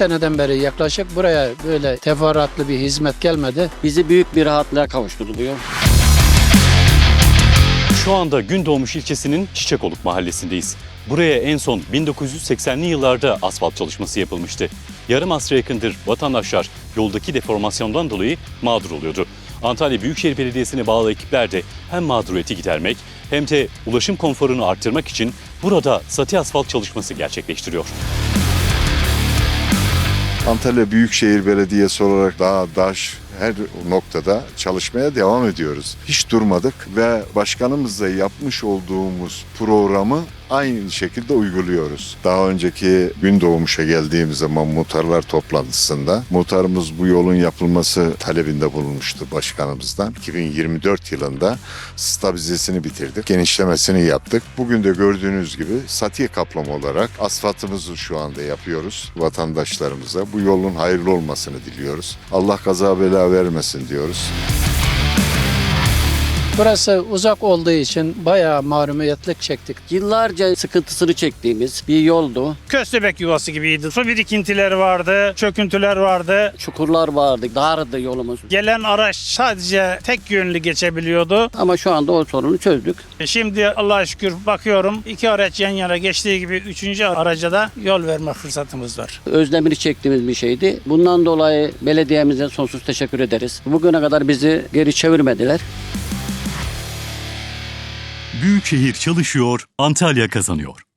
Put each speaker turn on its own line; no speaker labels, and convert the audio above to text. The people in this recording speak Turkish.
seneden beri yaklaşık buraya böyle teferruatlı bir hizmet gelmedi.
Bizi büyük bir rahatlığa kavuşturuluyor.
Şu anda Gündoğmuş ilçesinin Çiçekoluk mahallesindeyiz. Buraya en son 1980'li yıllarda asfalt çalışması yapılmıştı. Yarım asra yakındır vatandaşlar yoldaki deformasyondan dolayı mağdur oluyordu. Antalya Büyükşehir Belediyesi'ne bağlı ekipler de hem mağduriyeti gidermek hem de ulaşım konforunu arttırmak için burada sati asfalt çalışması gerçekleştiriyor.
Antalya Büyükşehir Belediyesi olarak dağ, taş, her noktada çalışmaya devam ediyoruz. Hiç durmadık ve başkanımızla yapmış olduğumuz programı aynı şekilde uyguluyoruz. Daha önceki Gündoğmuş'a geldiğimiz zaman muhtarlar toplantısında muhtarımız bu yolun yapılması talebinde bulunmuştu başkanımızdan. 2024 yılında stabilizesini bitirdik, genişlemesini yaptık. Bugün de gördüğünüz gibi sati kaplama olarak asfaltımızı şu anda yapıyoruz vatandaşlarımıza. Bu yolun hayırlı olmasını diliyoruz. Allah kaza bela vermesin diyoruz.
Burası uzak olduğu için bayağı mahrumiyetlik çektik.
Yıllarca sıkıntısını çektiğimiz bir yoldu.
Köstebek yuvası gibiydi. Su birikintileri vardı, çöküntüler vardı.
Çukurlar vardı, dardı yolumuz.
Gelen araç sadece tek yönlü geçebiliyordu.
Ama şu anda o sorunu çözdük.
Şimdi Allah'a şükür bakıyorum 2 araç yan yana geçtiği gibi 3. araca da yol verme fırsatımız var.
Özlemini çektiğimiz bir şeydi. Bundan dolayı belediyemize sonsuz teşekkür ederiz. Bugüne kadar bizi geri çevirmediler.
Büyükşehir çalışıyor, Antalya kazanıyor.